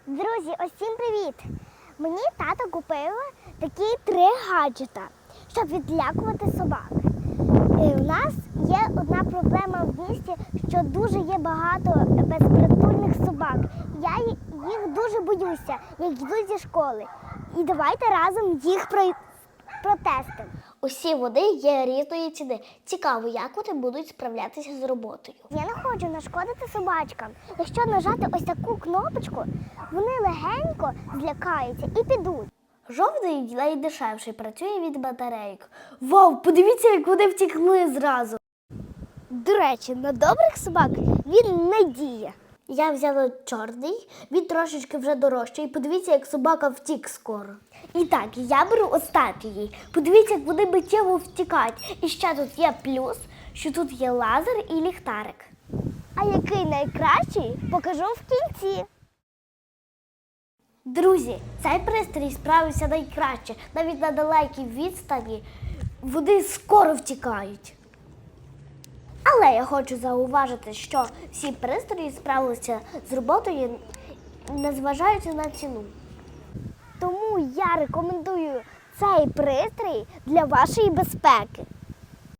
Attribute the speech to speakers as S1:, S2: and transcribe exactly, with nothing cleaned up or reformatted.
S1: Друзі, усім привіт! Мені тато купив такі три гаджета, щоб відлякувати собак. І у нас є одна проблема в місті, що дуже є багато безпритульних собак. Я їх дуже боюся, як йду зі школи. І давайте разом їх протестимо.
S2: Усі води є різної ціни. Цікаво, як вони будуть справлятися з роботою.
S1: Я не хочу нашкодити собачкам. Якщо нажати ось таку кнопочку, вони легенько злякаються і підуть.
S2: Жовтий найдешевший, працює від батарейок. Вау, подивіться, як вони втекли зразу.
S1: До речі, на добрих собак він не діє.
S2: Я взяла чорний, він трошечки вже дорожчий. Подивіться, як собака втік скоро. І так, я беру останній. Подивіться, як вони миттєво втікають. І ще тут є плюс, що тут є лазер і ліхтарик.
S1: А який найкращий, покажу в кінці.
S2: Друзі, цей пристрій справився найкраще. Навіть на далекій відстані вони скоро втікають. Але я хочу зауважити, що всі пристрої справилися з роботою, незважаючи на ціну.
S1: Тому я рекомендую цей пристрій для вашої безпеки.